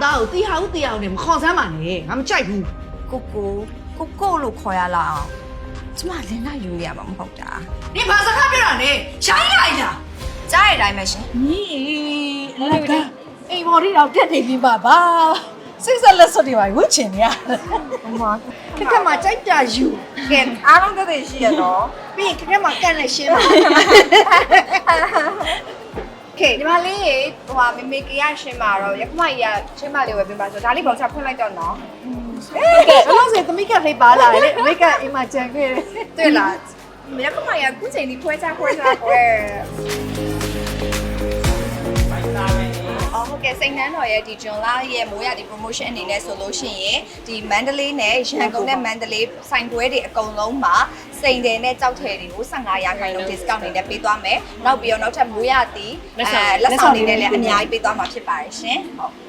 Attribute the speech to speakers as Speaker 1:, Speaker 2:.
Speaker 1: သားကိုတီဟာဦးတီအောင်နဲ့မခေါ်စမ်းပါနဲ့ငါမကြိုက်ဘူး
Speaker 2: ကိုလို့ခေါ်ရလားအောင်ကျမလင်းလိုက်ယူနေရမှာမဟုတ်တာ
Speaker 1: နေဘာစကားပြောတာလဲရှိုင်းလိုက်တာ
Speaker 2: ကြားရတိုင်းပဲရှင်
Speaker 3: ညီအလကအိမ်မော်ရီတော့တက်နေပြီပါစိတ်ဆက်လက်စွပ်တွေပါဝှချင်နေရ
Speaker 2: မမ
Speaker 1: ခက်ခက်မှာကြိုက်တာယူ
Speaker 2: ကဲအားလုံးတက်တယ်ရှိရတော့
Speaker 1: ပြီးရင်ခက်ခက်မှာကန်နဲ့ရှင်းပါ
Speaker 2: ကဲဒီမှာလေးဟိုဟာမေမေကရရှင်းမှာတော့ရခမကြီးကရှင်းမလေးဝယ်ပေးပါဆိုဒါလေးပေါင်ချဖွင့်လိုက်တော့နော်
Speaker 1: ကဲဘယ်လိုဆိုသမီးကလေးပါလာလေအမေကအိမ်မှာကြံခဲ့တယ်
Speaker 2: တွေ့လားရခမကြီးကခုချိန်ဒီဖွဲချကွဲအော်ဟုတ်ကဲ့စိန်နှန်းတော်ရဲ့ဒီဂျွန်လာရဲ့မိုးရဒီ promotion အနေနဲ့ဆိုလို့ရှိရင်ဒီမန္တလေးနဲ့ရန်ကုန်နဲ့မန္တလေးဆိုင်ပွဲတွေအကုန်လုံးမှာစိန်တယ်နဲ့ကြောက်ထည်တွေကို15% discount နေနဲ့ပေးသွားမယ်နောက်ပြီးတော့နောက်ထပ်မိုးရသည်လက်ဆောင်တွေနဲ့လည်းအများကြီးပေးသွားမှာဖြစ်ပါတယ်ရှင်ဟုတ်